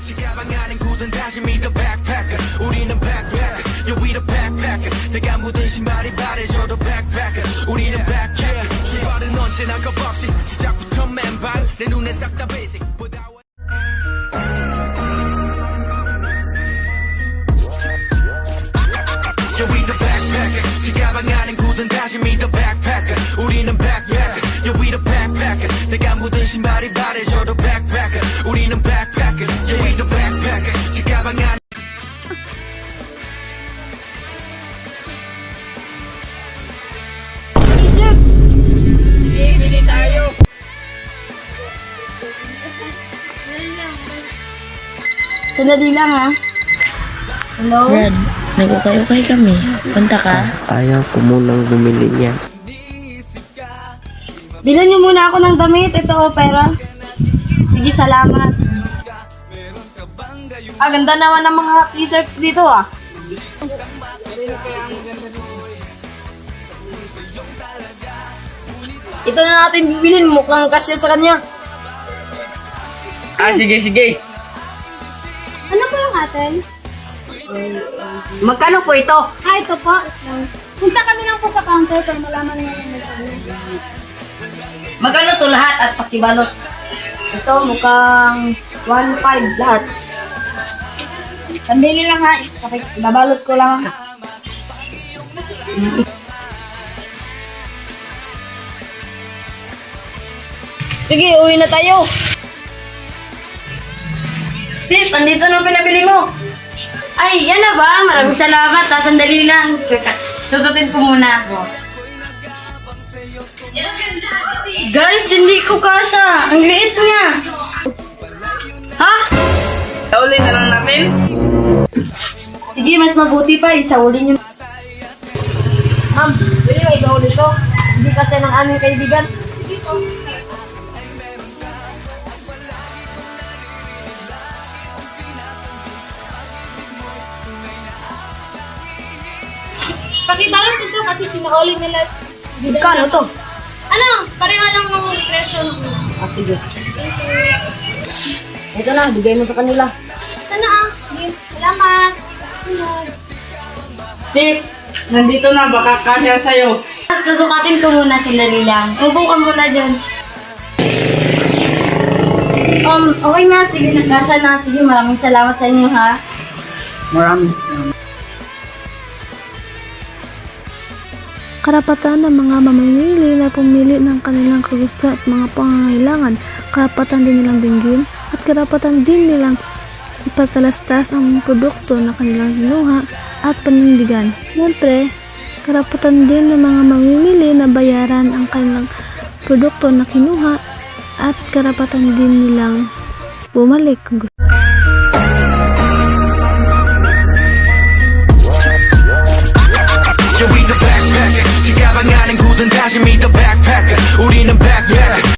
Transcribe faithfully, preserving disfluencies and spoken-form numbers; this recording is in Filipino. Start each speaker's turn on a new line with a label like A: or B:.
A: 가방 안엔 굳은 다짐이 the backpacker 우리는 backpackers yeah we the backpacker 내가 묻은 신발이 바래져도 backpacker 우리는 backpackers 출발은 언제나 겁없이 시작부터 맨발 내 눈에 싹 다 basic yeah we the backpacker 지가방 안엔 굳은 다짐이 the backpacker 우리는 backpackers yeah we the backpacker 내가 묻은 신발이 바래져도 backpacker 우리는 backpackers yeah we the backpacker 지가방 안에
B: T-shirts! Okay, bili tayo. Sandali lang ha. Hello?
C: Brad, nagukay-ukay kami. Punta ka?
D: Ayaw ko munang bumili niyan.
B: Bilan niyo muna ako ng damit. Ito o, pera. Sige, salamat. Ah, ganda naman ng mga t-shirts dito ah. Ito na natin bibilin. Mukhang kasya sa kanya.
D: Ah, sige, sige.
E: Ano po yung atin?
B: Magkano po ito?
E: Ah, ito po. Punta kami lang po sa counter para malaman mo yung magkano.
B: Magkano to lahat at pakibalot? Ito mukhang one five lahat. Sandali lang ha. Babalot ko lang. Sige, uwi na tayo. Sis, andito na pinabili mo. Ay, yan na ba? Maraming salamat. Ha? Sandali lang. Susutin ko muna. Guys, hindi ko kasha. Ang liit niya. Ha?
D: Uli na lang namin.
B: Sige, mas mabuti pa. Isauli niyo. Ma'am, pwede ba isauli to? Hindi kasya ng aming kaibigan.
E: Pakibalot ito kasi sinahuli nila.
B: Kano to?
E: Ano? Pareha lang ng presyo.
B: Ah, sige. Ito na, bigay mo sa kanila.
E: Ito na ah. Sige, salamat. Sunod.
B: Sis, nandito na. Baka kasya sa'yo.
E: Susukatin ko muna sandali lang. Upo ka muna dyan. Um, okay na. Sige, nagkasya na. Sige, maraming salamat sa inyo ha.
D: Maraming.
F: Karapatan ng mga mamimili na pumili ng kanilang kagustuhan at mga pangangailangan. Karapatan din nilang dinggin at karapatan din nilang ipatalastas ang produkto na kanilang kinuha at panindigan. Siyempre, karapatan din ng mga mamimili na bayaran ang kanilang produkto na kinuha at karapatan din nilang bumalik kung gusto.
A: yeah we the backpacker 지가방 안엔 굳은 다짐이 the backpacker 우리는 backpacker